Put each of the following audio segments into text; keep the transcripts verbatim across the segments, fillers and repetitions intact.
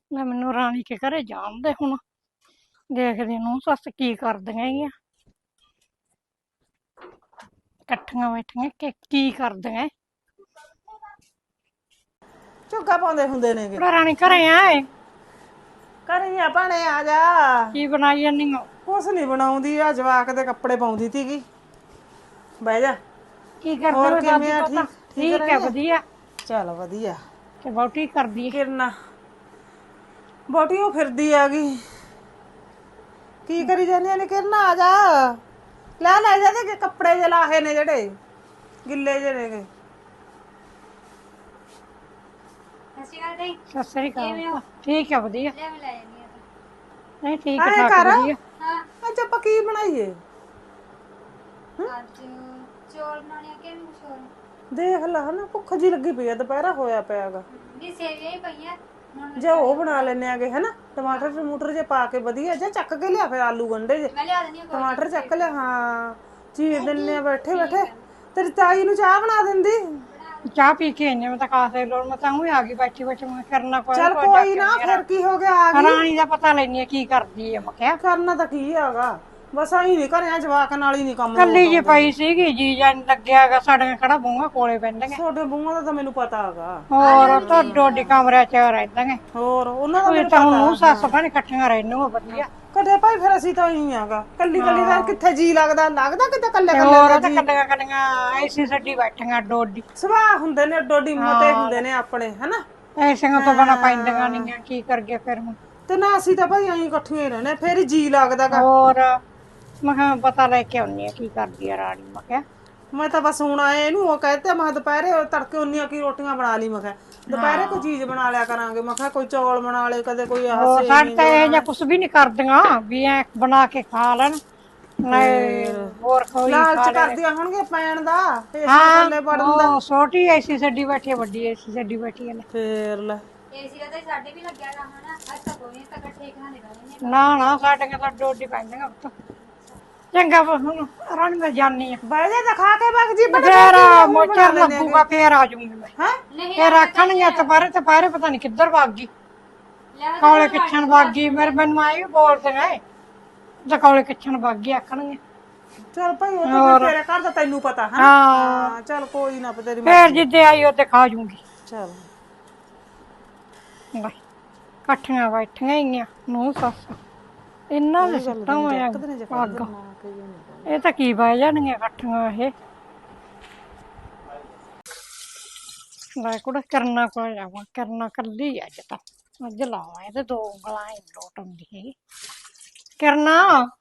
ਲੈ ਮੈਨੂੰ ਰਾਣੀ ਕੇ ਘਰੇ ਜਾਣ ਦੇ ਹੁਣ। ਦੇਖਦੇ ਨੂੰ ਸੱਸ ਕੀ ਕਰਦੀਆਂ ਹੈਗੀਆਂ। ਇਕੱਠੀਆਂ ਬੈਠੀਆਂ ਕਿ ਕੀ ਕਰਦੀਆਂ। ਝੁੱਗਾ ਪਾਉਂਦੇ ਹੁੰਦੇ ਨੇਗੇ। ਕੁੜਾ ਰਾਣੀ ਘਰੇ ਆਏ ਘਰੇ ਆ ਭਾਣੇ ਆ ਜਾ। ਕੀ ਬਣਾਈ ਜਾਨੀ ਓ? ਕੁਛ ਨਹੀਂ ਬਣਾਉਂਦੀ ਆ, ਜਵਾਕ ਦੇ ਕੱਪੜੇ ਪਾਉਂਦੀ ਤੀਗੀ। ਬਹਿ ਜਾ। ਕੀ ਕਰਦੇ ਹੋਰ ਹੋ ਦਾਦੀ ਕਿਵੇਂ ਆ? ਪੋਤਾ? ਠੀਕ ਠੀਕ ਠੀਕ ਹੈ ਰਹਿੰਦੇ? ਵਧੀਆ। ਚਲ ਵਧੀਆ। ਤੇ ਵਹੁਟੀ ਕਰਦੀ ਹੈ? ਕਿਰਨਾ ਬੋਟੀ ਉਹ ਫਿਰਦੀ ਆ ਗਈ। ਕੀ ਕਰੀ ਜਾਂਦੀ ਨੇ ਕਿਰਨਾ? ਆ ਜਾ ਲੈ ਲੈ ਜਾ ਤੇ ਕੱਪੜੇ ਜੇ ਲਾਹੇ ਨੇ ਜਿਹੜੇ ਗਿੱਲੇ ਜਿਹੇ ਨੇਗੇ। ਸਤਿ ਸ੍ਰੀ ਅਕਾਲ। ਠੀਕ ਹੈ ਵਧੀਆ। ਨਹੀਂ ਠੀਕ ਐਂ ਠਾਕ ਕਰ, ਵਧੀਆ। ਅੱਜ ਆਪਾਂ ਕੀ ਬਣਾਈਏ? ਅੱਜ ਚੌਲ ਬਣਾਉਣੇ ਆ ਕਿ ਕੁਛ ਹੋਰ? ਦੇਖ ਲਾ ਹਨਾ, ਭੁੱਖ ਜੀ ਲੱਗੀ ਪਈ ਆ, ਦੁਪਹਿਰਾ ਹੋਇਆ ਪਿਆਗਾ। ਨਹੀਂ ਸੇਵੀਆਂ ਹੀ ਪਈਆਂ ਹੁਣ। ਜੇ ਉਹ ਬਣਾ ਲੈਨੇ ਆਗੇ ਹਨਾ, ਟਮਾਟਰ ਟਮੂਟਰ ਜੇ ਪਾ ਕੇ ਵਧੀਆ ਜੇ ਚੱਕ ਕੇ ਲਿਆ, ਫਿਰ ਆਲੂ ਗੰਢੇ ਜੇ ਮੈਂ ਲਿਆ ਦਿੰਦੀ ਆ ਕੋਈ ਟਮਾਟਰ ਚੱਕ ਲਿਆ। ਹਾਂ ਚੀਰ ਦਿੰਨੇ ਆ ਬੈਠੇ ਬੈਠੇ। ਤੇਰੀ ਤਾਈ ਨੂੰ ਚਾਹ ਬਣਾ ਦਿੰਦੀ। ਚਾਹ ਪੀ ਕੇ ਆਈ ਮੈਂ ਤਾਂ ਕਾਸੇ ਲੋੜ ਮੈਂ ਤਾਂ ਹੀ ਆ ਗਈ ਬੈਠੀ ਬੈਠੀ ਮੈਂ ਕਰਨਾ ਕੋਈ ਚੱਲ ਕੋਈ ਨਾ, ਫਿਰ ਕੀ ਹੋ ਗਿਆ, ਆ ਗਈ। ਰਾਣੀ ਦਾ ਪਤਾ ਲੈਣੀ ਕੀ ਕਰਦੀ ਹੈ। ਮੈਂ ਕਿਹਾ ਕਰਨਾ ਤਾਂ ਕੀ ਹੈਗਾ, ਬਸ ਆਹੀ ਨੀ ਘਰਿਆ ਜਵਾਕ ਨਾਲ ਹੀ ਨੀ ਕੰਮ ਕੱਲੀ ਜੀ ਪਈ ਸੀਗੀ, ਜੀ ਜਾਨ ਲੱਗਿਆਗਾ। ਸਾਡੀਆਂ ਕਿਹੜਾ ਬੂਹਾਂ ਕੋਲੇ ਪੈਂਦੀਆਂ। ਤੁਹਾਡੇ ਬੂਹਾਂ ਦਾ ਤਾਂ ਮੈਨੂੰ ਪਤਾ ਹੈਗਾ। ਹੋਰ ਤੁਹਾਡੇ ਕਮਰਿਆਂ ਚ ਰਹਿੰਦੀਆਂ। ਹੋਰ ਉਹਨਾਂ ਦਾ ਕੋਈ ਮੈਨੂੰ ਤਾਂ ਹੁਣ ਪਤਾ। ਨੂੰ ਸੱਸ ਭੈਣ ਇਕੱਠੀਆਂ ਰਹਿਣੀਆਂ ਵਧੀਆ। ਕਦੇ ਭਾਈ ਫਿਰ ਅਸੀਂ ਤਾਂ ਹੀ ਆਗਾ, ਕੱਲੀ ਕੱਲੀ ਦਾ ਕਿੱਥੇ ਜੀ ਲੱਗਦਾ ਲੱਗਦਾ ਕਿਤੇ ਕੱਲੇ ਹੋਰ ਕੱਲੇ ਦਾ ਤਾਂ ਜੀ। ਕੱਲੀਆਂ ਕੱਲੀਆਂ ਐਸੀ ਛੱਡੀ ਬੈਠੀਆਂ ਡੋਡੀ। ਸੁਭਾਅ ਹੁੰਦੇ ਨੇ ਡੋਡੀ ਮਤੇ ਹੁੰਦੇ ਨੇ ਆਪਣੇ ਹਨਾ। ਐਸੀਆਂ ਤੋਂ ਬਣਾ ਪੈਂਦੀਆਂ ਨਹੀਂ, ਕੀ ਕਰਗੇ ਫਿਰ ਹੁਣ। ਤੇ ਨਾ ਅਸੀਂ ਤਾਂ ਭਾਈ ਅਸੀਂ ਇਕੱਠੀਆਂ ਹੀ ਰਹਿੰਦੇ, ਫਿਰ ਹੀ ਜੀ ਲੱਗਦਾਗਾ। ਹੋਰ ਮੈਂ ਕਿਹਾ ਪਤਾ ਲੈ ਕੇ ਆਉਣੀ ਆ ਕੀ ਕਰਦੀ ਆ ਰਾਣੀ। ਮੈਂ ਕਿਹਾ ਮੈਂ ਤਾਂ ਬਸ ਹੁਣ ਆਏ ਇਹਨੂੰ ਉਹ ਕਹਿੰਦੇ ਮੈਂ ਦੁਪਹਿਰੇ ਤੜਕੇ ਉਨੀਆਂ ਕੀ ਰੋਟੀਆਂ ਬਣਾ ਲਈ। ਮੈਂ ਕਿਹਾ ਦੁਪਹਿਰੇ ਕੋਈ ਚੀਜ਼ ਬਣਾ ਲਿਆ ਕਰਾਂਗੇ। ਮੈਂ ਕਿਹਾ ਕੋਈ ਚੌਲ ਬਣਾ ਲਏ, ਕਦੇ ਕੋਈ ਆਹ ਹੋਰ ਸਾਡੇ ਸੇਵੀਆਂ ਤਾਂ ਇਹ ਬਣਾ ਜਿਹਾ ਲਏ। ਕੁਛ ਵੀ ਨੀ ਕਰਦੀਆਂ ਵੀ ਐ ਬਣਾ ਕੇ ਖਾ ਲੈਣ। ਨਹੀਂ ਫੇਰ ਹੋਰ ਕੋਈ ਲਾਲਚ ਖਾ ਲੈ। ਕਰਦੀਆਂ ਹੋਣਗੇ ਪੈਣ ਦਾ, ਏਸੀ ਹਾਂ ਥੱਲੇ ਵੜਨ ਦਾ। ਉਹ ਛੋਟੀ ਐਸੀ ਛੱਡੀ ਬੈਠੀ, ਵੱਡੀ ਐਸੀ ਛੱਡੀ ਬੈਠੀ ਹੈ। ਫੇਰ ਲੈ ਏਸੀ ਦਾ ਤਾਂ ਸਾਡੇ ਵੀ ਲੱਗਿਆ ਗਾ ਹਨਾ। ਅੱਜ ਤਾਂ ਕੋਈ ਤਾਂ ਇਕੱਠੇ ਖਾਣੇ ਰਹਿੰਦੇ ਨੇ। ਨਾ ਨਾ ਸਾਡੀਆਂ ਤਾਂ ਡੋਡੀ ਪੈਂਦੀਆਂ ਪੁੱਤ। ਚੰਗਾ ਹੁਣ ਰਾਣੀ ਮੈਂ ਜਾਨੀ ਆ। ਬਹਿ ਜਾ ਤਾਂ ਖਾ ਕੇ ਵਗ ਜੀ ਬੜੇ ਫੇਰ ਕੀ ਹੁਣ ਬਣਾ ਮੋਚਰ ਲੈਣੇ ਆਗੇ। ਲੱਗੂਗਾ ਫੇਰ ਆ ਜਾਊਂਗੀ ਮੈਂ। ਹੈ ਨਹੀਂ ਫੇਰ ਆਖਣਗੇ ਦੁਪਹਿਰੇ ਦੁਪਹਿਰੇ ਪਤਾ ਨੀ ਕਿੱਧਰ ਭੱਗ ਗਈ। ਕੌਲੇ ਕਿੱਛਣ ਭੱਗ ਗਈ। ਮੇਰੇ ਮੈਨੂੰ ਆਏ ਵੀ ਬੋਲਦੇ ਨੇ ਤੇ ਕੌਲੇ ਕਿੱਛਣ ਭੱਗ ਗਈ ਆਖਣਗੇ। ਚਲ ਭਾਈ ਉਹ ਤਾਂ ਫਿਰ ਤੇਰੇ ਘਰ ਦਾ ਤੈਨੂੰ ਪਤਾ ਹੈ। ਹਾਂ ਚਲ ਕੋਈ ਨਾ, ਤੇਰੀ ਫੇਰ ਮਰਜ਼ੀ। ਜਿੱਦੇ ਆਈ ਉਹਦੇ ਖਾ ਜੂੰਗੀ। ਚਲ ਇਕੱਠੀਆਂ ਬੈਠੀਆਂ ਹੀ ਆ ਨੂੰ ਸੱਸ। ਇਹਨਾਂ ਦੇ ਇਹ ਗੱਲ ਸਿੱਟਾਂ ਤੈਨੂੰ ਹੋਇਆ ਇੱਕ ਦਿਨ ਜੇ ਕਹਿੰਦੇ ਪੱਗ। ਨਾ ਕਹੀਏ ਨਹੀਂ। ਇਹ ਤਾਂ ਕੀ ਬਹਿ ਜਾਣਗੀਆਂ ਇਕੱਠੀਆਂ ਇਹ। ਲੈ ਕੁੜਾ ਕਰਨਾ ਕੋਲ ਜਾਵਾਂ, ਕਰਨਾ ਕੱਲੀ ਅੱਜ ਤਾਂ। ਅੱਜ ਲਾਵਾਂ ਇਹਦੇ ਦੋ ਉਂਗਲਾਂ ਹੀ ਲੋਟ ਆਉਂਦੀ ਹੈਗੀ। ਕਰਨਾ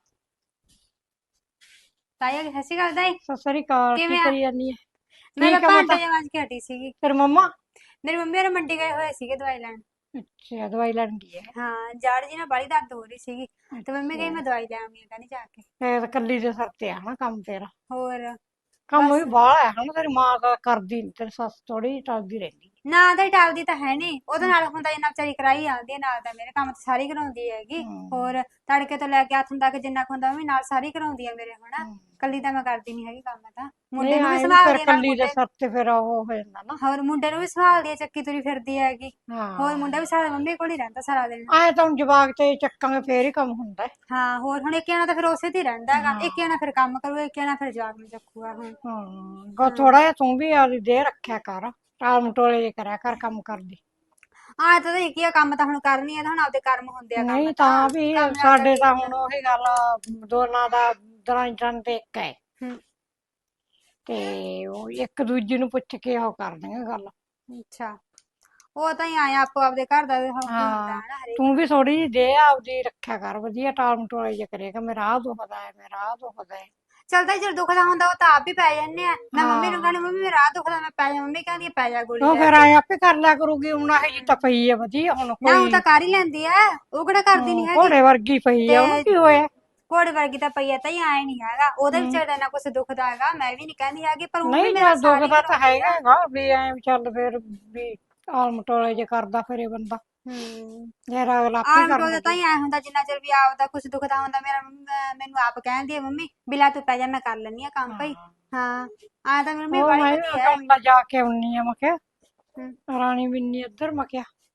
ਤਾਇਆ ਸਤਿ ਸ਼੍ਰੀ ਅਕਾਲ ਤਾਈ। ਸਤਿ ਸ੍ਰੀ ਅਕਾਲ। ਕੀ ਕਿਵੇਂ ਆ? ਕਰੀ ਜਾਂਦੀ ਹੈ? ਮੈਂ ਤਾਂ ਠੀਕ ਆ ਭਾਂਡੇ ਪਤਾ। ਜਿਹੇ ਮਾਂਜ ਕੇ ਹਟੀ ਸੀਗੀ। ਤੇਰੀ ਮੰਮਾ? ਮੇਰੀ ਮੰਮੀ ਹੋਰਾਂ ਮੰਡੀ ਗਏ ਹੋਏ ਸੀਗੇ ਦਵਾਈ ਲੈਣ। ਅੱਛਾ ਦਵਾਈ ਲੈਣ ਗਈ ਹੈ। ਹਾਂ ਜਾੜ ਜੀ ਨਾਲ ਬਾਹਲੀ ਦਰਦ ਹੋ ਰਹੀ ਸੀਗੀ, ਤੇ ਮੰਮੀ ਕਹੀ ਮੈਂ ਦਵਾਈ ਲੈ ਆਉਂਦੀ ਆ ਕਹਿੰਦੀ ਜਾ ਕੇ। ਫੇਰ ਕੱਲੀ ਦੇ ਸਿਰ ਤੇ ਆ ਨਾ ਕੰਮ ਤੇਰਾ। ਹੋਰ ਕੰਮ ਵੀ ਬਸ ਬਾਹਲਾ ਹੈ ਹਨਾ। ਤੇਰੀ ਮਾਂ ਤਾਂ ਕਰਦੀ ਨੀ, ਤੇਰੀ ਸੱਸ ਥੋੜੀ ਟਲਦੀ ਰਹਿੰਦੀ। ਨਾ ਤਾਂ ਟਾਲਦੀ ਤਾਂ ਹੈ ਨੀ, ਉਹਦੇ ਨਾਲ ਹੁੰਦਾ ਜਿੰਨਾ ਵਿਚਾਰੀ ਕਰਾਈ ਆਉਂਦੀ ਹੈ ਨਾਲ ਤਾਂ ਮੇਰੇ ਕੰਮ ਤਾਂ ਸਾਰੀ ਕਰਾਉਂਦੀ ਹੈਗੀ। ਹੋਰ ਤੜਕੇ ਤੋਂ ਲੈ ਕੇ ਹੱਥ ਤੱਕ ਜਿੰਨਾ ਕੁ ਹੁੰਦਾ ਉਹ ਵੀ ਨਾਲ ਸਾਰੀ ਕਰਾਉਂਦੀ ਹੈ ਮੇਰੇ। ਹੁਣ ਕੱਲੀ ਤਾਂ ਮੈਂ ਕਰਦੀ ਨੀ ਹੈਗੀ ਕੰਮ। ਤਾਂ ਮੁੰਡੇ ਨੂੰ ਵੀ ਸੰਭਾਲਦੀ ਹੈ ਨਾਲ ਕੱਲੀ ਦੇ ਮੁੰਡੇ। ਸਿਰ ਤੇ ਫਿਰ ਉਹ ਹੋ ਜਾਂਦਾ ਨਾ। ਹੋਰ ਮੁੰਡੇ ਨੂੰ ਵੀ ਸੰਭਾਲਦੀ ਹੈ, ਚੱਕੀ ਤੁਰੀ ਫਿਰਦੀ ਹੈਗੀ। ਹੋਰ ਹਾਂ ਮੁੰਡਾ ਵੀ ਸਾਰਾ ਮੰਮੀ ਕੋਲ ਹੀ ਰਹਿੰਦਾ ਸਾਰਾ ਦਿਨ। ਆਏ ਤਾਂ ਹੁਣ ਜਵਾਕ ਤੇ ਚੱਕਾਂਗੇ ਫੇਰ ਹੀ ਕੰਮ ਹੁੰਦਾ। ਹਾਂ ਹੋਰ ਹੁਣ ਇੱਕ ਜਣਾ ਤਾਂ ਫਿਰ ਉਸੇ ਤੇ ਹੀ ਰਹਿੰਦਾ ਹੈਗਾ। ਇੱਕ ਜਣਾ ਫਿਰ ਕੰਮ ਕਰੂਗਾ, ਇੱਕ ਜਣਾ ਫਿਰ ਜਵਾਕ ਨੂੰ ਚੱਕੂਗਾ। ਹੁਣ ਹਾਂ ਥੋੜਾ ਜਿਹਾ ਤੂੰ ਵੀ ਆਪਦੀ ਦੇ ਰੱਖਿਆ ਕਰ, ਟਾਲ ਮਟੋਲੇ ਜੇ ਕਰਿਆ ਕਰ ਕੰਮ ਕਰਦੀ। ਆਹ ਤਾਂ ਕੀ ਆ, ਕੰਮ ਤਾਂ ਹੁਣ ਕਰਨੀ ਆ, ਹੁਣ ਆਪਦੇ ਕਰਮ ਹੁੰਦੇ ਆ। ਕੰਮ ਨਹੀਂ ਤਾਂ ਵੀ ਕੰਮ ਨਾਲ ਤਾਂ ਸਾਡੇ ਕੀ ਤਾਂ ਹੁੰਦਾ। ਹੁਣ ਉਹੀ ਗੱਲ ਦੋਨਾਂ ਦਾ ਦਰਾਂ ਤੇ ਇੱਕ ਹੈ। ਹੂੰ ਤੇ ਉਹ ਇੱਕ ਦੂਜੀ ਨੂੰ ਪੁੱਛ ਕੇ ਉਹ ਕਰਦੀਆਂ ਗੱਲ। ਅੱਛਾ ਉਹ ਤਾਂ ਹੀ ਆਇਆ ਆਪੋ ਆਪਦੇ ਘਰ ਦਾ ਹੁੰਦਾ ਹਾਂ ਹੈ ਨਾ ਹਰੇਕ ਤੂੰ ਨੂੰ। ਵੀ ਥੋੜੀ ਜਿਹੀ ਦੇ ਆਪਦੀ ਰੱਖਿਆ ਕਰ ਵਧੀਆ, ਟਾਲ ਮਟੋਲੇ ਜੇ ਕਰੇਗਾ ਮੇਰਾ ਆਹ ਦੁਖਦਾ ਹੈ, ਮੇਰਾ ਆਹ ਦੁਖਦਾ ਹੈ। ਚੱਲਦਾ ਜਦੋਂ ਦੁਖਦਾ ਹੁੰਦਾ ਉਹ ਤਾਂ ਆਪ ਹੀ ਪੈ ਜਾਂਦੇ ਆ। ਮੈਂ ਮੰਮੀ ਨੂੰ ਹਾਂ ਕਹਿੰਦੀ ਮੰਮੀ ਮੇਰਾ ਆਹ ਦੁਖਦਾ, ਮੈਂ ਪੈ ਜਾ। ਮੰਮੀ ਕਹਿੰਦੀ ਪੈ ਜਾ ਗੋਲੀ ਉਹ ਲੈ ਫਿਰ ਕੇ। ਆਏ ਆਪੇ ਕਰ ਲਿਆ ਕਰੂਗੀ। ਹੁਣ ਇਹ ਜੀ ਤਾਂ ਪਈ ਆ ਵਧੀਆ ਹੁਣ ਨਾ ਉਹ ਕੋਈ। ਤਾਂ ਕਰ ਹੀ ਲੈਂਦੀ ਆ, ਉਹ ਕਿਹੜਾ ਕਰਦੀ ਨੀ ਹੈਗੀ। ਘੋੜੇ ਵਰਗੀ ਪਈ ਆ, ਉਹਨੂੰ ਤੇ ਕੀ ਹੋਇਆ? ਘੋੜੇ ਵਰਗੀ ਤਾਂ ਪਈ ਆ ਤਾਂ ਹੀ ਆਏ ਨੀ ਹੈਗਾ। ਉਹਦੇ ਹੂੰ ਵਿਚਾਰੇ ਦਾ ਨਾ ਕੁਛ ਦੁਖਦਾ ਹੈਗਾ, ਮੈਂ ਵੀ ਨੀ ਕਹਿੰਦੀ ਹੈਗੀ। ਪਰ ਉਹ ਵੀ ਨਹੀਂ ਮੇਰੇ ਨਾਲ ਚੱਲ ਸਾਰੀ ਦੁਖਦਾ ਤਾਂ ਕਰਾਉਂਦੀ ਹੈਗਾ ਆ। ਹੈਗਾ ਵੀ ਐ ਚੱਲ ਫੇਰ ਵੀ ਟਾਲ ਮਟੋਲੇ ਜੇ ਕਰਦਾ ਫਿਰੇ ਬੰਦਾ। ਹੂੰ ਯਾਰ ਅਗਲਾ ਆਪੇ ਆਮ ਕਰਨ ਟੋਲ ਤਾਂ ਲੱਗੇ। ਹੀ ਆਇਆ ਹੁੰਦਾ ਜਿੰਨਾ ਚਿਰ ਵੀ ਆਪਦਾ ਕੁਛ ਦੁਖਦਾ ਹੁੰਦਾ। ਮੇਰਾ ਮੈਨੂੰ ਆਪ ਕਹਿੰਦੀ ਆ ਮੰਮੀ ਬਿਲਾ ਤੂੰ ਪੈ ਜਾ, ਮੈਂ ਕਰ ਲੈਂਦੀ ਆ ਕੰਮ ਭਾਈ। ਹਾਂ ਆ ਤਾਂ ਮੰਮੀ ਉਹ ਵਾਲੀ ਮੈਂ ਵੀ ਵਧੀਆ ਕੰਮ ਹੈਗੀ। ਦਾ ਜਾ ਕੇ ਆਉਣੀ ਆ। ਮੈਂ ਕਿਹਾ ਹੂੰ ਰਾਣੀ ਬਿੰਨੀ ਇੱਧਰ। ਮੈਂ ਕਿਹਾ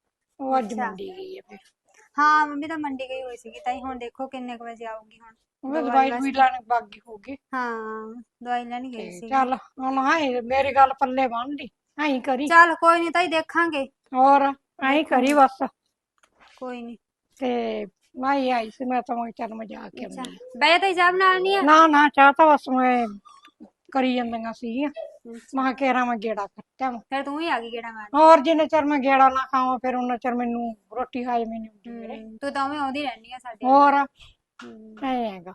ਉਹ ਅੱਜ ਅੱਛਾ। ਮੰਡੀ ਗਈ ਹੈ ਫਿਰ ਹਾਂ ਮੰਮੀ ਤਾਂ ਮੰਡੀ ਗਈ ਹੋਈ ਸੀਗੀ ਤਾਈ ਹੁਣ ਦੇਖੋ ਕਿੰਨੇ ਕੁ ਵਜੇ ਆਊਗੀ ਹੁਣ ਉਹ ਦਵਾਈ ਦਵਾਈ ਵਾਸਤੇ। ਵੀ ਲੈਣ ਬਾਗੀ ਹੋਗੀ ਹਾਂ ਦਵਾਈ ਲੈਣ ਤੇ ਗਈ ਸੀਗੀ। ਚੱਲ ਹੁਣ ਹਾਂ ਮੇਰੀ ਗੱਲ ਪੱਲੇ ਬੰਨ ਲਈ ਐਂ ਕਰੀ ਚੱਲ ਕੋਈ ਨਹੀਂ ਤਾਈ ਦੇਖਾਂਗੇ। ਹੋਰ ਐਂ ਕਰੀ ਬਸ ਕੋਈ ਨਹੀਂ। ਤੇ ਮੈਂ ਹੀ ਆਈ ਸੀ ਮੈਂ ਤਾਂ ਮੈਂ ਕਿਹਾ ਚੱਲ ਮੈਂ ਜਾ ਕੇ ਅੱਛਾ ਆਉਂਦੀ ਹਾਂ। ਬੈ ਤਾਈ ਚਾਹ ਬਣਾ ਨਹੀਂ ਆ। ਨਾ ਨਾ ਚਾਹ ਤਾਂ ਬਸ ਮੈਂ ਕਰੀ ਜਾਂਦੀਆਂ ਸੀਗੀਆਂ ਅੱਛਾ ਮੈਂ ਕਿਹਾ ਕੇਰਾਂ ਮੈਂ ਗੇੜਾ ਕੱਟਿਆ ਵਾਂ। ਫਿਰ ਤੂੰ ਹੀ ਆ ਗਈ ਗੇੜਾ ਮਾਰਨ। ਹੋਰ ਜਿੰਨੇ ਚਿਰ ਮੈਂ ਗੇੜਾ ਨਾ ਖਾਵਾਂ ਫਿਰ ਉਹਨਾਂ ਚਿਰ ਮੈਨੂੰ ਰੋਟੀ ਹਾਜ਼ਮ ਨਹੀਂ ਹੁੰਦੀ ਮੇਰੇ। ਹੂੰ ਤੂੰ ਤਾਂ ਉਵੇਂ ਆਉਂਦੀ ਰਹਿੰਦੀ ਆ ਸਾਡੇ। ਹੋਰ ਹੂੰ ਐ ਹੈਗਾ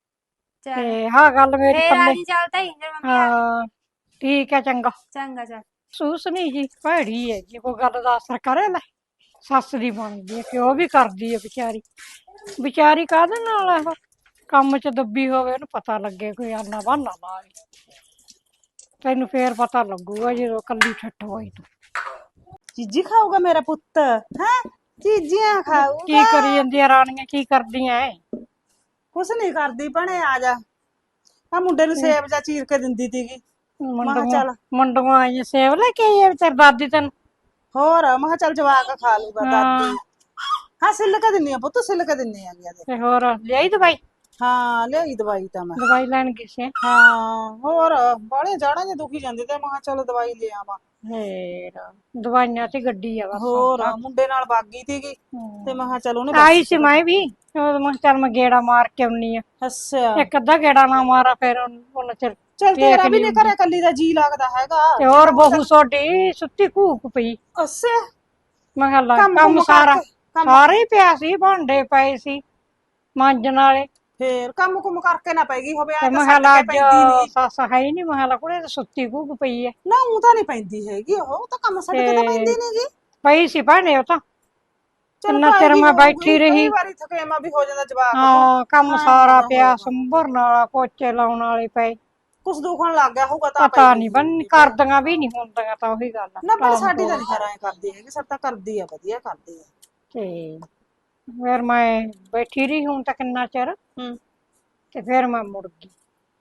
ਚੱਲ ਤੇ ਹਾਂ ਗੱਲ ਮੇਰੀ ਫੇਰ ਆ ਪੱਲੇ ਜੀ ਚੱਲ ਤਾਈ ਜੇ ਮੰਮੀ ਆ ਗਈ। ਹਾਂ ਠੀਕ ਹੈ ਚੰਗਾ ਚੰਗਾ ਚੱਲ। ਸੂਸ ਨਹੀਂ ਜੀ ਭੈੜੀ ਹੈ ਜੀ ਕੋਈ ਗੱਲ ਦਾ ਅਸਰ ਕਰੇ ਲੈ ਸੱਸ ਦੀ ਬਣਦੀ ਹੈ ਕਿ ਉਹ ਵੀ ਕਰਦੀ ਹੈ ਵਿਚਾਰੀ ਵਿਚਾਰੀ ਕਾਹਦੇ ਨਾਲ ਇਹ ਕੰਮ ਚ ਦੱਬੀ ਹੋਵੇ ਉਹਨੂੰ ਪਤਾ ਲੱਗੇ ਕੋਈ ਆਨਾ ਬਹਾਨਾ ਲਾਵੇ ਤੈਨੂੰ ਫੇਰ ਪਤਾ ਲੱਗੂਗਾ ਜਦੋਂ ਕੱਲੀ ਠੱਠ ਹੋਈ ਤੂੰ ਚੀਜੀ ਖਾਊਗਾ ਮੇਰਾ ਪੁੱਤ ਹੈ ਚੀਜ਼ੀਆਂ ਕੀ ਖਾਊਗਾ। ਕਰੀ ਜਾਂਦੀਆਂ ਰਾਣੀਆਂ ਕੀ ਕਰਦੀਆਂ ਐ ਕੁਛ ਨਹੀਂ ਕਰਦੀ ਭਣੇ ਆ ਜਾ ਆ ਮੁੰਡੇ ਨੂੰ ਸੇਬ ਜਾਂ ਚੀਰ ਕੇ ਦਿੰਦੀ ਤੀਗੀ। ਮੈਂ ਕਿਹਾ ਮੰਡੂਆਂ ਚੱਲ ਮੰਡੂਆਂ ਆਈਆਂ ਸੇਬ ਲੈ ਕੇ ਆਈ ਆ ਤੇਰੀ ਦਾਦੀ ਤੈਨੂੰ ਹੋਰ ਮੈਂ ਕਿਹਾ ਚੱਲ ਜਵਾਕ ਖਾ ਲੂਗਾ ਹਾਂ ਦਾਦੀ। ਹਾਂ ਸਿੱਲ ਕੇ ਦਿੰਨੀ ਆ ਪੁੱਤ ਸਿੱਲ ਕੇ ਦਿੰਨੀ ਆ ਗਿਆ ਤੇ ਹੋਰ ਲਿਆਈ ਦਵਾਈ ਹਾਂ ਲਿਆਈ ਦਵਾਈ ਤਾਂ ਮੈਂ। ਦਵਾਈ ਲੈਣ ਗਈ ਸੀ ਹਾਂ ਹੋਰ ਬਾਹਲੇ ਜਾੜਾਂ ਜੇ ਦੁਖੀ ਜਾਂਦੇ ਤੇ ਮੈਂ ਕਿਹਾ ਚਲ ਦਵਾਈ ਲੈ ਆਵਾਂ। ਫੇਰ ਦਵਾਈਆਂ ਤੇ ਗੱਡੀ ਆ ਬਸ ਹੁਣ ਹੋਰ ਤਾਂ। ਮੁੰਡੇ ਨਾਲ ਬਾਗੀ ਤੀਗੀ ਤੇ ਮੈਂ ਕਿਹਾ ਚਲ ਉਹਨੇ ਆਈ ਸੀ ਮੈਂ ਵੀ ਉਹ ਮੈਂ ਕਿਹਾ ਚੱਲ ਮੈਂ ਗੇੜਾ ਮਾਰ ਕੇ ਆਉਣੀ ਆ ਅੱਛਾ ਇੱਕ ਅੱਧਾ ਗੇੜਾ ਨਾ ਮਾਰਾ ਫਿਰ ਉਹਨਾਂ ਚਿਰ ਚਲ ਟੇਕ ਤੇਰਾ ਵੀ ਨੀ ਨੀ ਘਰੇ ਕੱਲੀ ਦਾ ਜੀ ਲੱਗਦਾ ਹੈਗਾ। ਤੇ ਹੋਰ ਬਹੂ ਸੋਡੀ ਸੁੱਤੀ ਘੂਕ ਪਈ ਅੱਛਾ ਮੈਂ ਕਿਹਾ ਲੈ ਕੰਮ ਕੰਮ ਕੁੰਮ ਸਾਰਾ ਕਰਕੇ ਕੰਮ ਸਾਰਾ ਹੀ ਪਿਆ ਸੀ ਭਾਂਡੇ ਪਏ ਸੀ ਮਾਂਜਣ ਵਾਲੇ ਫੇਰ ਕੰਮ ਕੁੰਮ ਕਰਕੇ ਨਾ ਪੈਗੀ ਹੋਵੇ ਤੇ ਆ ਤਾਂ ਮੈਂ ਕਿਹਾ ਛੱਡ ਲੈ ਕੇ ਅੱਜ ਪੈਂਦੀ ਨਹੀਂ। ਸੱਸ ਹੈ ਹੀ ਨਹੀਂ ਮੈਂ ਕਿਹਾ ਲੈ ਕੁੜੇ ਤੇ ਸੁੱਤੀ ਘੂਕ ਪਈ ਐ ਨਾ ਉਹ ਤਾਂ ਨਹੀਂ ਪੈਂਦੀ ਹੈਗੀ ਉਹ ਤਾਂ ਕੰਮ ਛੱਡ ਕੇ ਤਾਂ ਪੈਂਦੀ ਨਹੀਂਗੀ। ਪਈ ਸੀ ਭਾਂਡੇ ਉਹ ਤਾਂ ਚਲ ਕਿੰਨਾ ਚਿਰ ਪਾਏਗੀ ਮੈਂ ਹੋਊਗੀ ਬੈਠੀ ਕਈ ਰਹੀ ਵਾਰੀ ਥਕੇਮਾ ਵੀ ਹੋ ਜਾਂਦਾ ਜਵਾਕ ਤੋਂ। ਹਾਂ ਕੰਮ ਹਾਂ ਸਾਰਾ ਹੁੰਦਾ ਪਿਆ ਹੋਊਗਾ ਸੰਭਰਨ ਵਾਲਾ ਪੋਚੇ ਲਾਉਣ ਵਾਲੇ ਪਏ ਕੁਛ ਦੁਖਣ ਲੱਗ ਗਿਆ ਹੋਊਗਾ ਤਾਂ ਪਤਾ ਪੈਗੀ ਨਹੀਂ ਬਣ ਹੋਊਗੀ। ਕਰਦੀਆਂ ਵੀ ਨਹੀਂ ਹੁੰਦੀਆਂ ਤਾਂ ਉਹੀ ਗੱਲ ਆ ਨਾ ਪਰ ਟਾਲ ਸਾਡੀ ਤਾਂ ਮਟੋਲ। ਨਹੀਂ ਖਰਾ ਕਰਦੀ ਹੈਗੀ ਸਭ ਤਾਂ ਕਰਦੀ ਆ ਵਧੀਆ ਕਰਦੀ ਆ। ਤੇ ਫਿਰ ਮੈਂ ਬੈਠੀ ਰਹੀ ਹੁਣ ਤਾਂ ਕਿੰਨਾ ਚਿਰ ਹੂੰ ਤੇ ਫਿਰ ਮੈਂ ਮੁੜ ਗਈ